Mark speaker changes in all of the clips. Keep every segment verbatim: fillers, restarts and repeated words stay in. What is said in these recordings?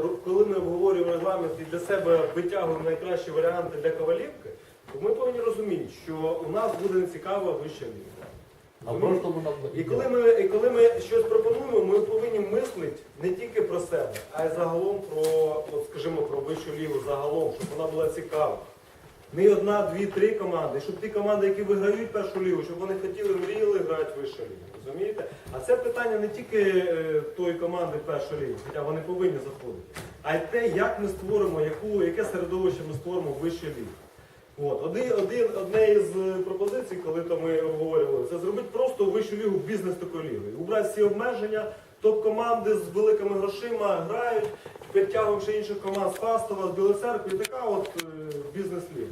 Speaker 1: коли ми обговорюємо регламент і для себе витягуємо найкращі варіанти для Ковалівки, то ми повинні розуміти, що у нас буде нецікава вища ліга.
Speaker 2: А просто вона
Speaker 1: І коли ми, і коли ми щось пропонуємо, ми повинні мислити не тільки про себе, а й загалом про, от скажімо, про вищу лігу загалом, щоб вона була цікава. Не одна, дві, три команди, щоб ті команди, які виграють першу лігу, щоб вони хотіли, мріяли грати в вищу лігу. Розумієте? А це питання не тільки е, тої команди першої ліги, хоча вони повинні заходити, а й те, як ми створимо, яку, яке середовище ми створимо в вищій лігі. От. Один, один, одне із пропозицій, коли то ми обговорювали, це зробити просто вищу лігу бізнес такої ліги. Убрати всі обмеження, топ-команди з великими грошима грають, підтягуємо ще інших команд з Фастова, з Білої Церкви, і така от е, бізнес-ліга.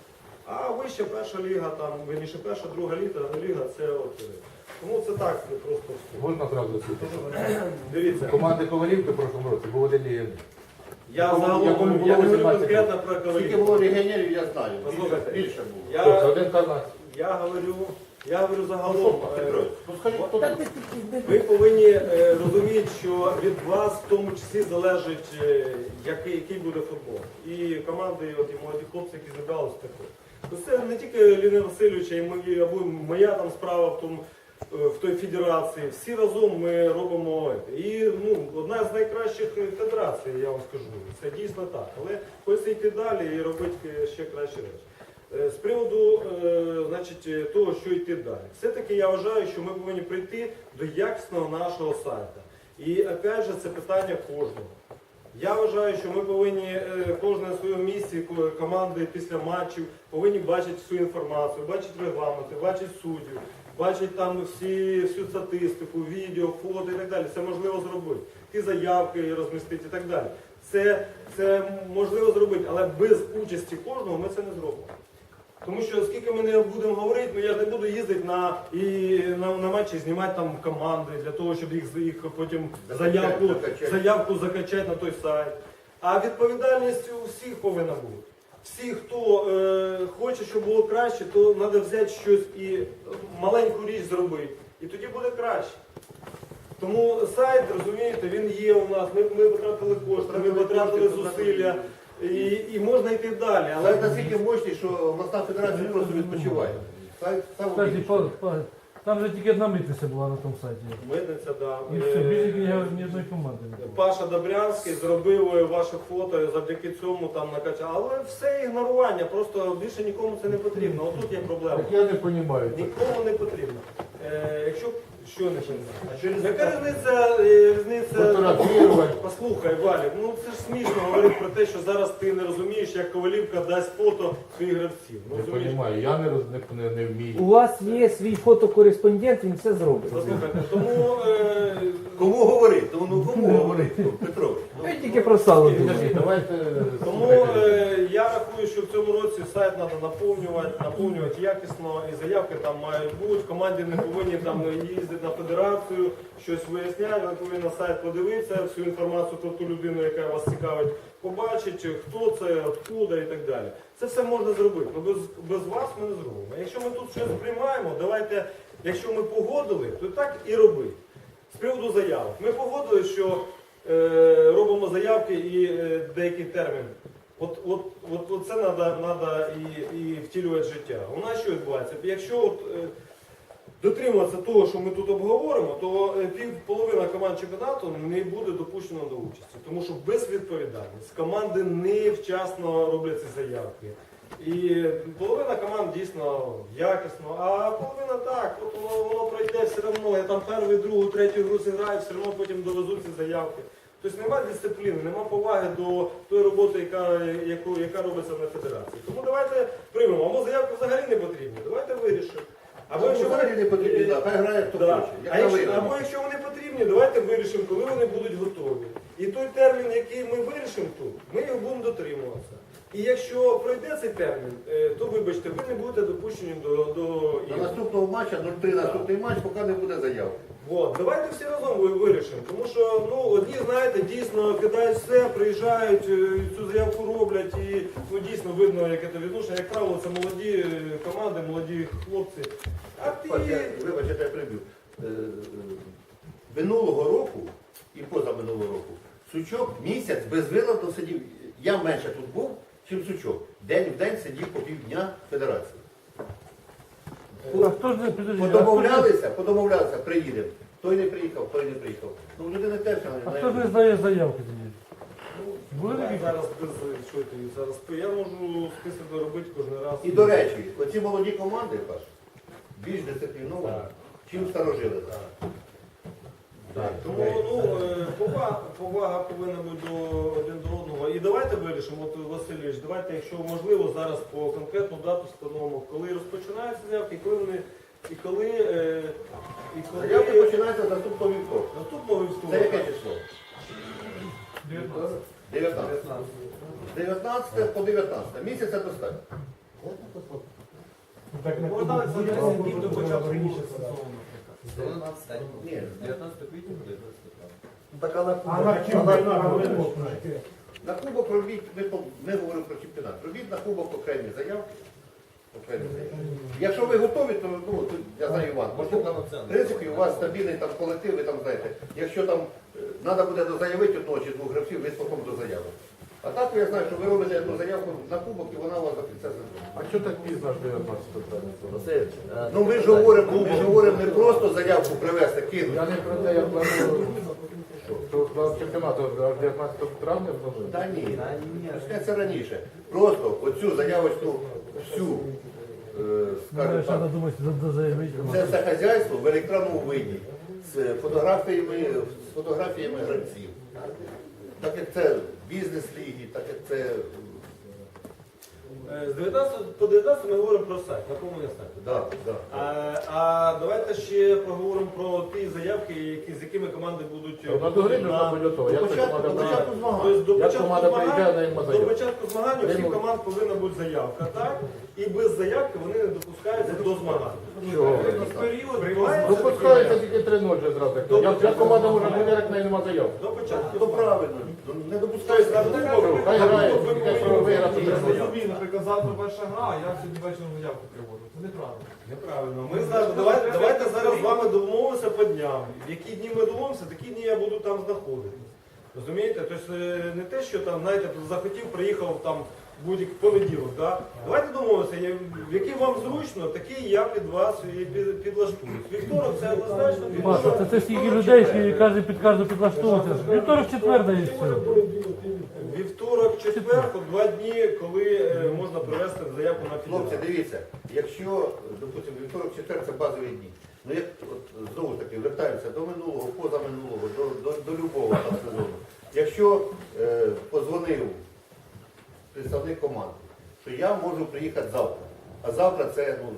Speaker 1: А вища перша ліга, там, вірніше перша, друга ліга, ліга це от. е, Тому це так, це просто все.
Speaker 2: можна одразу засвітити.
Speaker 1: Дивіться.
Speaker 2: Команди Ковалівки в прошлому році був один легіонер.
Speaker 1: Я
Speaker 2: Якому-
Speaker 1: загалом,
Speaker 2: якому було
Speaker 1: я не говорю
Speaker 2: вісімнадцять
Speaker 1: конкретно про
Speaker 3: Скільки
Speaker 1: Ковалівку.
Speaker 3: було легіонерів, я знаю.
Speaker 1: Послухайте,
Speaker 3: Більше було.
Speaker 1: Я,
Speaker 2: Тобто один Карнас.
Speaker 1: я говорю, я говорю загалом. е,
Speaker 3: Петро, ну скажіть, хто тут?
Speaker 1: Ви повинні е, розуміти, що від вас в тому числі залежить, е, який, який буде футбол. І команди, і, от, і молоді хлопці, які зібралися також. То це не тільки Ліни Васильовича, і мої, або моя там справа в тому, е, в той федерації. Всі разом ми робимо. це. І ну, одна з найкращих федерацій, я вам скажу. Це дійсно так. Але хочеться йти далі і робити ще кращі речі. Е, З приводу е, значить, того, що йти далі. Все-таки я вважаю, що ми повинні прийти до якісного нашого сайту. І опять же, це питання кожного. Я вважаю, що ми повинні, е, кожен на своєму місці, ко- команди після матчів, повинні бачити всю інформацію, бачити регламенти, бачити суддів, бачити там всі, всю статистику, відео, фото і так далі. Це можливо зробити. Ті заявки розмістити і так далі. Це, це можливо зробити, але без участі кожного ми це не зробимо. Тому що скільки ми не будемо говорити, ну я ж не буду їздити на, і, на, на матчі, знімати там команди для того, щоб їх, їх потім заявку,
Speaker 3: закачати.
Speaker 1: заявку закачати на той сайт. А відповідальність у всіх повинна бути. Всі, хто е, хоче, щоб було краще, то треба взяти щось і маленьку річ зробити. І тоді буде краще. Тому сайт, розумієте, він є у нас, ми, ми потратили кошти, ми потратили зусилля. І, і можна йти далі, але
Speaker 3: Сайт настільки мощний, що обласна федерація просто відпочиває. Сайт сам
Speaker 4: Кстати,
Speaker 3: більший.
Speaker 4: Павло, Павло, там же тільки одна митниця була на тому сайті.
Speaker 1: митниця, да.
Speaker 4: І все, більше
Speaker 1: Е,
Speaker 4: ні одної команди не було.
Speaker 1: Паша Добрянський зробив ваше фото, і завдяки цьому там накачав. Але все ігнорування, просто більше нікому це не потрібно. Отут є проблема.
Speaker 2: Так я не розумію.
Speaker 1: Нікому не потрібно. Е, якщо що не потрібно?
Speaker 3: А через
Speaker 1: Яка різниця, е, різниця...
Speaker 2: Фотографувати.
Speaker 1: Послухай, Валік, ну це ж смішно говорити про те, що зараз ти не розумієш, як Ковалівка дасть фото своїх гравців. Ну,
Speaker 2: Не
Speaker 1: розумієш?
Speaker 2: розумію, я не, роз- не, не, не вмію.
Speaker 5: У вас є свій фотокореспондент, він все зробить.
Speaker 1: Послухайте, тому... Е,
Speaker 3: Кому говорити? Ну, ну кому говорити, Петро?
Speaker 5: Ви тільки про сало
Speaker 2: Підожди,
Speaker 5: думаєте.
Speaker 2: давайте...
Speaker 1: Тому е, я рахую, що в цьому році сайт треба наповнювати, наповнювати якісно, і заявки там мають бути. Команді не повинні там їздити на федерацію, щось виясняти, вони повинні на сайт подивитися, всю інформацію про ту людину, яка вас цікавить, побачити, хто це, откуда і так далі. Це все можна зробити, але без, без вас ми не зробимо. Якщо ми тут щось приймаємо, давайте, якщо ми погодили, то так і робити. З приводу заявок. Ми погодили, що е, робимо заявки і е, деякий термін. От, от, от, от це треба і, і втілювати в життя. У нас що відбувається? Якщо от, е, дотримуватися того, що ми тут обговоримо, то е, пів половина команд чемпіонату не буде допущено до участі. Тому що безвідповідальність. Команди невчасно роблять ці заявки. І половина команд дійсно якісно, а половина так, от воно, воно пройде все одно, я там першу, другу, третю гру зіграю, все одно потім довезуть ці заявки. Тобто немає дисципліни, немає поваги до тої роботи, яка, яку, яка робиться на федерації. Тому давайте приймемо, або заявки взагалі не потрібні, давайте вирішимо.
Speaker 3: Або якщо взагалі не потрібні, да, хай грає хто
Speaker 1: Да.
Speaker 3: хоче.
Speaker 1: А
Speaker 3: Як
Speaker 1: якщо,
Speaker 3: на
Speaker 1: або
Speaker 3: виграє.
Speaker 1: якщо вони потрібні, давайте вирішимо, коли вони будуть готові. І той термін, який ми вирішимо тут, ми його будемо дотримуватися. І якщо пройде цей термін, е, то вибачте, ви не будете допущені до, до
Speaker 3: На
Speaker 1: ігор.
Speaker 3: наступного матча, нуль три наступний матч, поки не буде заявки.
Speaker 1: От, давайте всі разом ви- вирішимо. Тому що ну, одні, знаєте, дійсно кидають все, приїжджають, е, цю заявку роблять і ну, дійсно видно, яке це відношення. Як правило, це молоді е, команди, молоді хлопці. А ти...
Speaker 3: Паш, я- Вибач, я тебе прибив. Е, е, Минулого року і позаминулого року Сучок місяць без виладу сидів. Я менше тут був, чим Сучок. День в день сидів по півдня в федерації.
Speaker 4: А хто ж не підожди, а хто ж-
Speaker 3: Подомовлялися, подомовлялися, приїдемо. Той не приїхав, той не приїхав. Ну, людина теж
Speaker 4: А
Speaker 3: не
Speaker 4: хто ж не здає заявки тоді? Були
Speaker 1: Я
Speaker 4: такі?
Speaker 1: зараз без що ти зараз я можу список робити кожен раз.
Speaker 3: І до речі, оці молоді команди, Паш, більш дисципліновані, чим старожили.
Speaker 1: Так, тому ну, е, повага, повага повинна бути до один до одного. І давайте вирішимо, от Васильович, давайте, якщо можливо, зараз по конкретну дату встановимо, коли розпочинаються заявки, і коли вони і коли, е, і коли
Speaker 3: Заявки починаються з наступного вівторка.
Speaker 1: наступного
Speaker 3: Це яке
Speaker 1: вівторка.
Speaker 3: число? дев'ятнадцяте. З дев'ятнадцяте по дев'ятнадцяте. Місяця достатньо.
Speaker 1: Можна за десять днів до початку.
Speaker 3: Ні.
Speaker 6: Так а на
Speaker 4: А на чемпіонат?
Speaker 3: На кубок робіть, ми, по- ми говоримо про чемпіонат. Робіть на кубок окремі заявки. Окремі заявки. Якщо ви готові, то ну, тут, я знаю Іван, може там, в принципі, у вас стабільний там колектив, ви там знаєте, якщо там треба буде дозаявити одного чи двох гравців, ви спокійно дозаяви. А так я знаю, що ви робите одну заявку на кубок і вона у вас до кінця сезону.
Speaker 2: А що так пізно аж дев'ятнадцятого травня?
Speaker 6: Васильович, а
Speaker 3: Ну ми ж говоримо, ми ж говоримо не просто заявку привезти, кинути.
Speaker 2: Я не про те, я планую, що до чемпіонату аж дев'ятнадцятого травня знову.
Speaker 3: Та ні, почнеться раніше. Просто оцю заявочку всю, е, скажімо
Speaker 4: Треба
Speaker 3: так,
Speaker 4: думати, за заявити.
Speaker 3: це все хазяйство в електронному виді з фотографіями, з фотографіями гравців. Так як це бізнес-ліги, так як це
Speaker 1: Е, З дев'ятнадцятого по дев'ятнадцятому ми говоримо про сайт, на кому є сайт.
Speaker 3: да, да.
Speaker 1: А, а давайте ще поговоримо про ті заявки, які, з якими команди будуть
Speaker 2: На до гри вже мабуть готова.
Speaker 3: До
Speaker 2: Як це
Speaker 3: початку,
Speaker 2: команда
Speaker 3: до початку
Speaker 2: прийде?
Speaker 3: змагань.
Speaker 1: Тобто до
Speaker 2: Як
Speaker 1: початку
Speaker 2: команда приїжджає, на їм
Speaker 1: змагань, до
Speaker 2: заявку.
Speaker 1: початку змагань у всіх
Speaker 2: Приймуть.
Speaker 1: команд повинна бути заявка, так? І без заявки вони не допускаються до змагань.
Speaker 2: Чого?
Speaker 1: Період відбувається
Speaker 2: Допускається тільки три нуль вже зразу. Як як команда може бути, як в неї нема заявки?
Speaker 1: до початку.
Speaker 3: То правильно, ну, не
Speaker 1: Тобто
Speaker 3: допускається.
Speaker 1: на кубок,
Speaker 2: Хай
Speaker 1: на
Speaker 2: грає,
Speaker 1: кубок ви
Speaker 2: тільки що
Speaker 1: повинні
Speaker 2: виграти
Speaker 1: бути
Speaker 2: треба.
Speaker 1: заявки.
Speaker 7: Собі, наприклад, завтра перша гра, а я сьогодні вечором заявку приводжу. Це неправильно.
Speaker 1: Неправильно. Ми зараз, давайте, давайте зараз з вами домовимося по дням. В які дні ми домовимося, такі дні я буду там знаходитися. Розумієте? Тобто е, не те, що там, знаєте, захотів, приїхав там будь-який понеділок. Да? Давайте домовимося, я- в які вам зручно, такі я під вас і під- підлаштуюсь. Вівторок це однозначно.
Speaker 4: Маша, це, це стільки людей, що кожен під кожну підлаштовуватися. Вівторок, четвер дає все.
Speaker 1: Вівторок, четвер, от два дні, коли е, можна привезти заявку на
Speaker 3: Хлопці,
Speaker 1: фідерацію.
Speaker 3: дивіться, якщо, допустимо, вівторок, четвер це базові дні. Ну як от, знову ж таки вертаємося до минулого, позаминулого, до, до, до любого там сезону. Якщо е, позвонив представник команди, що я можу приїхати завтра, а завтра це ну,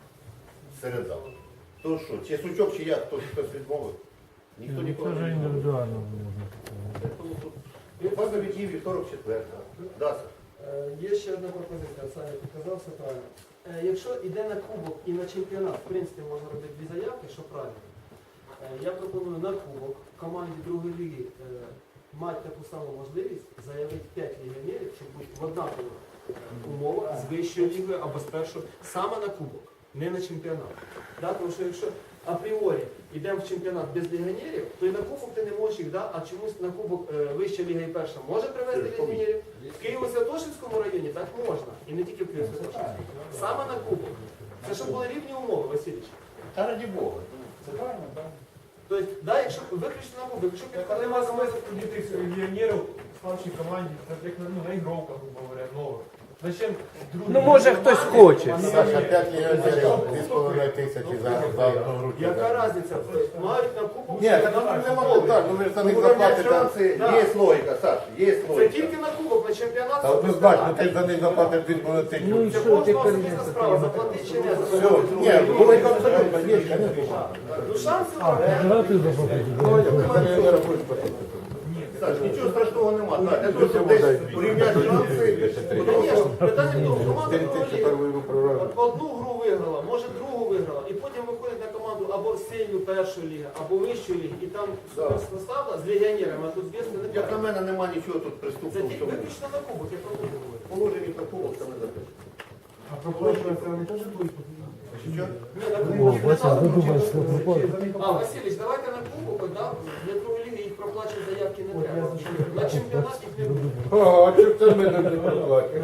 Speaker 3: серед завтра. То що, чи Сучок, чи я, хтось, хтось відмовив? Ніхто
Speaker 4: Це
Speaker 3: ніколи
Speaker 4: вже
Speaker 3: не відмовив.
Speaker 4: індивідуально можна.
Speaker 3: Тому тут базові дні, вівторок, четвер. Да, Саш?
Speaker 6: Е, Є ще одна пропозиція, Саня підказав все правильно. Е, Якщо йде на кубок і на чемпіонат, в принципі, можна робити дві заявки, що правильно. Е, Я пропоную на кубок команді другої ліги е, мати таку саму можливість заявити п'ять легіонерів, щоб бути в однакових е, умовах з вищою лігою або з першою, саме на кубок, не на чемпіонат. Да? Тому що якщо апріорі йдемо в чемпіонат без легіонерів, то і на кубок ти не можеш їх, да? А чомусь на кубок е, вища ліга і перша може привезти легіонерів. В Києво-Святошинському районі так можна. І не тільки в Києво-Святошинському. Саме на кубок. Це щоб були рівні умови, Васильович.
Speaker 3: Та раді Бога.
Speaker 7: Це правильно, так?
Speaker 6: Тобто, да, якщо виключно на кубок, якщо
Speaker 7: Так,
Speaker 6: підходить
Speaker 7: але нема смисла тоді тих легіонерів в старшій команді, так як ну, на ігровках, грубо говоря, нових. Зачем другі
Speaker 5: Ну може хтось хоче.
Speaker 8: Саша, п'ять легіонерів, дві з половиною тисячі за, за одну гру.
Speaker 6: Яка різниця? Мають на кубок.
Speaker 8: Ні, так там нема питань, ну ви ж за них заплатите.
Speaker 3: Шанси,
Speaker 6: Да.
Speaker 3: є логіка, Саш, є
Speaker 6: Це
Speaker 3: логіка.
Speaker 6: тільки на кубок, на чемпіонат.
Speaker 8: Та однозначно, ти за них заплатиш дві з половиною
Speaker 5: Ну і
Speaker 8: тисячі.
Speaker 6: Це
Speaker 5: що
Speaker 6: кожного
Speaker 5: тепер
Speaker 6: особиста
Speaker 5: не
Speaker 6: справа, заплатити чи не
Speaker 8: Все,
Speaker 6: заплатити.
Speaker 8: ні, були абсолютно, є, звісно.
Speaker 6: Ну шанси
Speaker 4: А, федерацію заплатити.
Speaker 8: За легіонера будуть платити.
Speaker 3: Саш, нічого страшного нема. Так, для того, щоб десь порівняти шанси, тому що
Speaker 6: Звісно, питання в тому, команда
Speaker 8: чотири
Speaker 6: другої
Speaker 8: тисячі
Speaker 6: ліги.
Speaker 8: першу ігру програли.
Speaker 6: От одну гру виграла, може другу виграла, і потім виходить на команду або сильну першої ліги, або вищої ліги, і там суперсостав з легіонерами, а тут звісно не
Speaker 3: як на
Speaker 6: так.
Speaker 3: мене нема нічого тут
Speaker 6: Це
Speaker 3: приступного в
Speaker 6: тільки
Speaker 3: цьому.
Speaker 6: виключно на кубок, я про кубок говорю.
Speaker 3: Положені про кубок, це не запишемо.
Speaker 7: А проплачується, вони теж будуть.
Speaker 3: Чи що?
Speaker 6: Ні, на
Speaker 4: О,
Speaker 6: кубок
Speaker 4: Вася,
Speaker 6: чемпіонату
Speaker 4: додумай,
Speaker 6: може
Speaker 4: що
Speaker 6: бути.
Speaker 4: пропало.
Speaker 6: А, Васильович, давайте на кубок, да? Для другої ліги їх проплачувати заявки не треба. На чемпіонат їх не буде.
Speaker 2: О, а чого це ми не проплачуємо?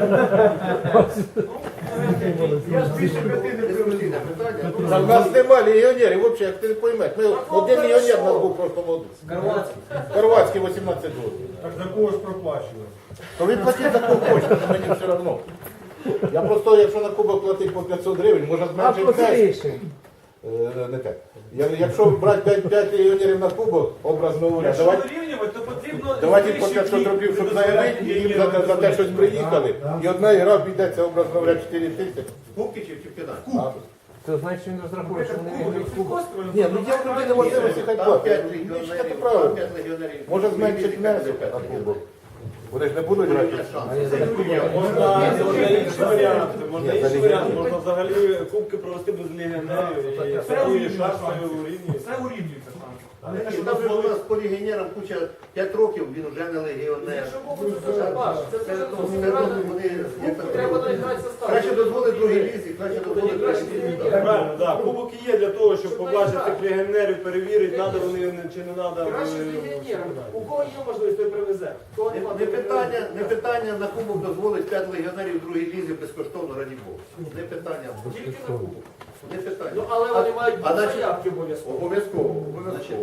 Speaker 7: Я ж більше п'яти не
Speaker 3: Дискусійне питання. Ну,
Speaker 2: Та в нас нема легіонерів, взагалі, як ти не поймеш. Ми, один легіонер у нас був просто молодий.
Speaker 5: Хорватський.
Speaker 2: Хорватський вісімнадцять років.
Speaker 7: Так за кого ж проплачували?
Speaker 2: То він платить за кого хоче, то мені все одно. Я просто, якщо на кубок платить по п'ятсот гривень, може
Speaker 5: А
Speaker 2: зменшити п'ять.
Speaker 5: простіше.
Speaker 2: Е, Не так. Я- Якщо брати п'ять легіонерів на кубок, образно говоря,
Speaker 7: Якщо
Speaker 2: давайте,
Speaker 7: вирівнювати, то потрібно...
Speaker 2: давайте по п'ятсот рублів, щоб заявити, і їм за, те- за те щось приїхали. І одна гра обійдеться, образно говоря, чотири тисячі.
Speaker 3: Кубки чи в чемпіонаті?
Speaker 2: А,
Speaker 5: Це значить, що він розраховує, що вони виграють кубок.
Speaker 2: Ні, ну є в людини можливості хай
Speaker 3: Там
Speaker 2: платить.
Speaker 3: п'ять
Speaker 2: Ну, читати
Speaker 3: легіонерів, там
Speaker 2: правильно.
Speaker 3: п'ять легіонерів.
Speaker 2: Може зменшити внесок
Speaker 3: п'ять
Speaker 2: на
Speaker 3: легіонерів.
Speaker 2: кубок. Вони ж не будуть грати.
Speaker 3: Є шанс.
Speaker 1: Можна, можна інші варіанти, можна
Speaker 2: Ні, за
Speaker 1: інші варіанти,
Speaker 2: легіонерів.
Speaker 1: можна взагалі кубки провести без легіонерів і своєю шашкою у рівні.
Speaker 7: Все урівнюється там.
Speaker 3: І там же у нас по легіонерам куча п'ять років, він вже не легіонер.
Speaker 6: Якщо Богу, це дуже важко. Це
Speaker 3: Це,
Speaker 6: дуже
Speaker 3: ну,
Speaker 6: дуже
Speaker 3: це,
Speaker 6: правильно.
Speaker 3: вони, як там,
Speaker 6: Треба навіть грати состав.
Speaker 3: краще дозволити другій лізі, краще дозволити
Speaker 6: Краще
Speaker 3: другій лізі.
Speaker 6: легіонер.
Speaker 1: Правильно, так. Кубоки є для того, щоб побачити тих легіонерів, перевірити, треба вони чи не треба.
Speaker 6: Краще з легіонером. У кого є можливість, той привезе. У кого
Speaker 3: Не,
Speaker 6: нема,
Speaker 3: не
Speaker 6: той
Speaker 3: питання,
Speaker 6: привезе.
Speaker 3: не питання на кубок дозволить п'ять легіонерів в другій лізі безкоштовно, раді Бога. Не питання.
Speaker 6: Тільки на кубок.
Speaker 3: Не питання.
Speaker 6: Ну, але вони мають
Speaker 3: а на-
Speaker 6: заявки обов'язково.
Speaker 3: Обов'язково, обов'язково.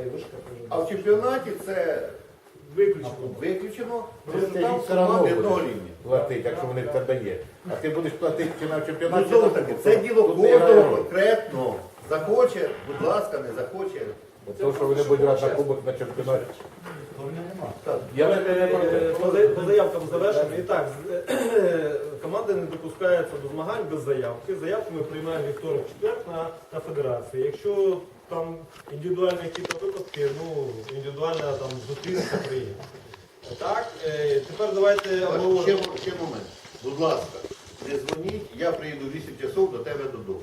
Speaker 3: А в чемпіонаті це
Speaker 6: Виключно.
Speaker 3: виключено,
Speaker 2: Це
Speaker 3: тому що
Speaker 2: їм
Speaker 3: там
Speaker 2: все одно
Speaker 3: команди
Speaker 2: буде
Speaker 3: одного рівня.
Speaker 2: платить, якщо вони в тебе є. А ти будеш платити чи на
Speaker 3: Ну,
Speaker 2: чемпіонаті.
Speaker 3: знову таки, це діло
Speaker 2: Тут не
Speaker 3: кожного
Speaker 2: грає роль.
Speaker 3: конкретно. Захоче, будь ласка, не захоче.
Speaker 2: Тому що вони будуть грати на кубок на чемпіонаті.
Speaker 3: Так.
Speaker 2: Я не
Speaker 1: Давайте,
Speaker 2: не
Speaker 1: е,
Speaker 2: проти.
Speaker 1: По за- по заявкам завершимо. І так, з- е, команди не допускаються до змагань без заявки. Заявку ми приймаємо вівторок четвер на, на федерації. Якщо там індивідуальні якісь випадки, ну індивідуально там зустрінеться приїде. Так, е, тепер давайте
Speaker 3: Ще,
Speaker 1: обговоримо.
Speaker 3: ще момент. Будь ласка, не дзвоніть, я приїду вісім часов до тебе додому.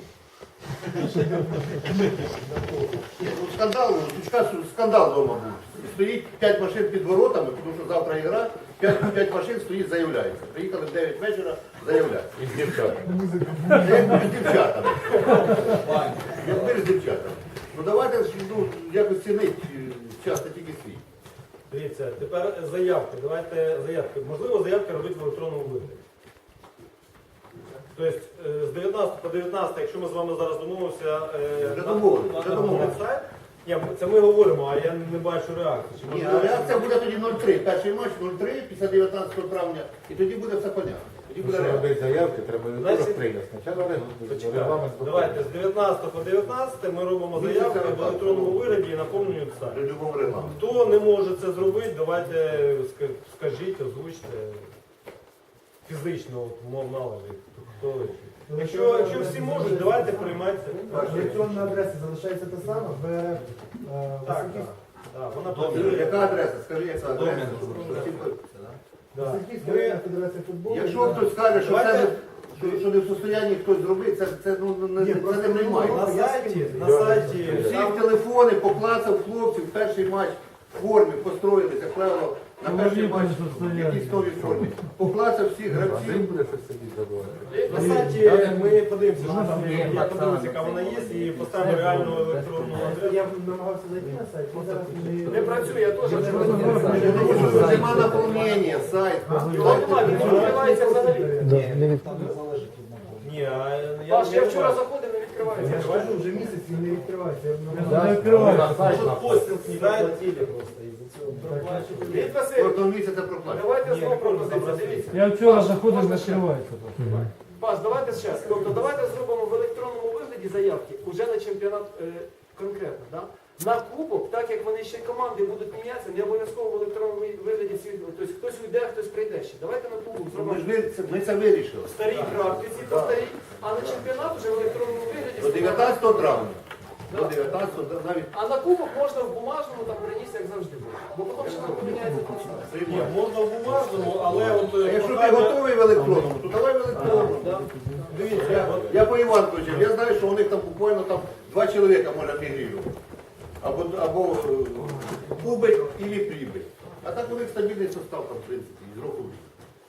Speaker 3: Ні, ну, скандал, ну, Сучка, скандал вдома був. Стоїть п'ять машин під воротами, тому що завтра ігра, п'ять машин стоїть, заявляється. Приїхали в дев'ять вечора, заявляють.
Speaker 2: І з дівчатами.
Speaker 3: Як з дівчатами. Як з дівчатами. Ну давайте ну, якось цінить часто тільки свій.
Speaker 1: Дивіться, тепер заявки. Давайте заявки. Можливо, заявки робити в електронному вигляді. Тобто е, з дев'ятнадцятого по дев'ятнадцяте, якщо ми з вами зараз домовимося, е,
Speaker 3: Вже
Speaker 1: на-
Speaker 3: домовились,
Speaker 1: на-
Speaker 3: вже
Speaker 1: на
Speaker 3: домовились.
Speaker 1: сайт. Ні, ми- це ми говоримо, а я не бачу реакції. Чи
Speaker 3: Ні,
Speaker 1: можливо,
Speaker 3: а реакція буде тоді нуль три. Перший матч нуль три після дев'ятнадцятого травня. І тоді буде все понятно. Тоді буде
Speaker 2: Якщо
Speaker 3: реакція.
Speaker 2: робити заявки, треба
Speaker 1: Значить,
Speaker 2: вівторок прийняти. Спочатку регламент.
Speaker 1: Почекайте.
Speaker 2: регламент
Speaker 1: Давайте з дев'ятнадцятого по дев'ятнадцяте ми робимо заявки в електронному вигляді і наповнюємо сайт.
Speaker 3: При любому регламенті.
Speaker 1: Хто не може це зробити, давайте ска- скажіть, озвучте фізично, от, мов належить. Хто Якщо, якщо всі можуть, давайте приймайте.
Speaker 9: Електронна адреса залишається та сама, в е,
Speaker 1: Так, так. Так, вона
Speaker 3: Добре,
Speaker 1: працює.
Speaker 3: яка адреса? Скажи, яка адреса?
Speaker 1: Да.
Speaker 9: Васильківська
Speaker 1: Ми-
Speaker 9: районна федерація футболу.
Speaker 3: Якщо хтось скаже, що,
Speaker 1: Давайте-
Speaker 3: це не, що, що не в состоянні хтось зробити, це, це, ну, не,
Speaker 9: Ні,
Speaker 3: це
Speaker 9: просто
Speaker 3: не
Speaker 9: не
Speaker 3: приймає.
Speaker 9: можна.
Speaker 1: На сайті, на сайті.
Speaker 3: Всіх телефони поклацав хлопців, перший матч в формі, построїлися, як правило, на
Speaker 4: Ну,
Speaker 3: перший
Speaker 4: можливо,
Speaker 3: матч
Speaker 4: не
Speaker 3: в
Speaker 4: состояння.
Speaker 3: якійсь новій формі. Поклацав всіх
Speaker 2: Один
Speaker 3: гравців.
Speaker 2: буде щось собі забувати.
Speaker 1: На сайті ми подивимося, що там є. Я подивлюся, яка вона є, і поставимо реальну електронну адресу.
Speaker 9: Я намагався зайти на сайт, він зараз
Speaker 6: Не працює, я теж.
Speaker 3: Тому що нема наповнення, сайт.
Speaker 6: Його немає, він не відкривається взагалі.
Speaker 1: Ні, а я,
Speaker 6: Паш, я
Speaker 1: не
Speaker 6: вчора
Speaker 1: бачу.
Speaker 6: заходив, не відкривається.
Speaker 9: Я ж кажу, вже місяць він не відкривається. Я
Speaker 4: Не
Speaker 9: намагався.
Speaker 4: відкривається.
Speaker 1: Що постіл знімає?
Speaker 6: Лід Васильович,
Speaker 3: Кожного місяця проплачено.
Speaker 6: давайте
Speaker 1: Ні,
Speaker 6: знову
Speaker 1: не можна
Speaker 6: пропозицію.
Speaker 1: забрати.
Speaker 6: Дивіться.
Speaker 4: Я вчора
Speaker 6: Паш,
Speaker 4: заходив,
Speaker 6: можна
Speaker 4: не
Speaker 6: ще?
Speaker 4: відкривається.
Speaker 6: Паш, давайте зараз. Тобто давайте зробимо в електронному вигляді заявки уже на чемпіонат е, конкретно. Да? На кубок, так як вони ще команди будуть мінятися, не обов'язково в електронному вигляді всі. Тобто хтось уйде, хтось прийде ще. Давайте на кубок
Speaker 3: Ми
Speaker 6: зробимо
Speaker 3: ж ви- це- ми це вирішили.
Speaker 6: старі практиці, по старій, а на чемпіонат вже в електронному вигляді.
Speaker 3: До дев'ятнадцятого травня. До дев'ятнадцятого навіть
Speaker 6: А на кубок можна в бумажному там приніс, як завжди буде. Бо потім ще там поміняється.
Speaker 1: Ні, можна в бумажному, але от
Speaker 3: А
Speaker 1: е,
Speaker 3: якщо ти
Speaker 1: прохання-
Speaker 3: готовий в електронному, то давай в електронному.
Speaker 1: Да. Дивіться,
Speaker 3: Я,
Speaker 1: от
Speaker 3: я по Іванковичу, я знаю, що у них там буквально там два чоловіка може мігрувати. Або, або е, убить, або прибить. А так у них стабільний состав там, в принципі, з року в рік.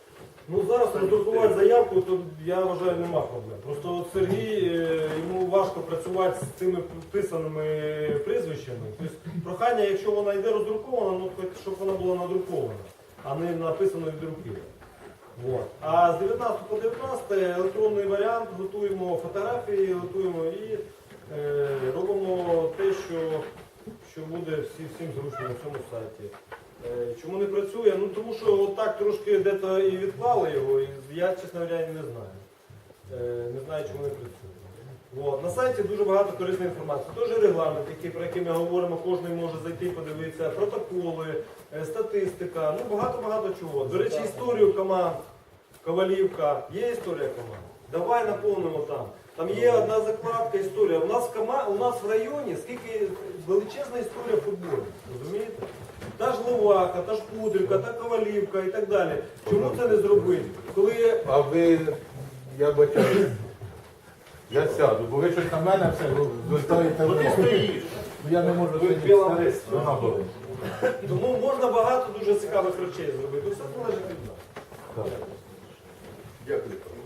Speaker 1: Ну зараз роздрукувати заявку, то я вважаю, нема проблем. Просто от Сергій, е, йому важко працювати з цими вписаними прізвищами. Тобто прохання, якщо вона йде роздрукована, ну хоч щоб вона була надрукована, а не написано від руки. Вот. А з дев'ятнадцятого по дев'ятнадцяте електронний варіант, готуємо фотографії, готуємо і е, робимо те, що, що буде всі, всім зручно на цьому сайті. Е, Чому не працює? Ну тому що отак трошки дето і відклали його, і я, чесно говоря, не знаю. Е, Не знаю, чому не працює. От. На сайті дуже багато корисної інформації. Теж регламент, який, про який ми говоримо, кожен може зайти, подивитися, протоколи, е, статистика, ну багато-багато чого. До речі, історію команд, Ковалівка, є історія команд. Давай наповнимо там. Там є одна закладка історія. У нас в кома... у нас в районі скільки величезна історія футболу. Розумієте? Та ж Ловака, та ж Пудрівка, та Ковалівка і так далі. Чому це не зробити? Коли
Speaker 2: А ви, я бачаю, я сяду, бо ви щось на мене все звертаєте.
Speaker 3: Ну ти стоїш.
Speaker 2: Я не можу
Speaker 1: Ви
Speaker 2: сидіти.
Speaker 1: біла
Speaker 2: Старий,
Speaker 1: лист.
Speaker 2: вона болить.
Speaker 1: Тому можна багато дуже цікавих речей зробити. Все залежить від нас.
Speaker 2: Так.
Speaker 3: Дякую.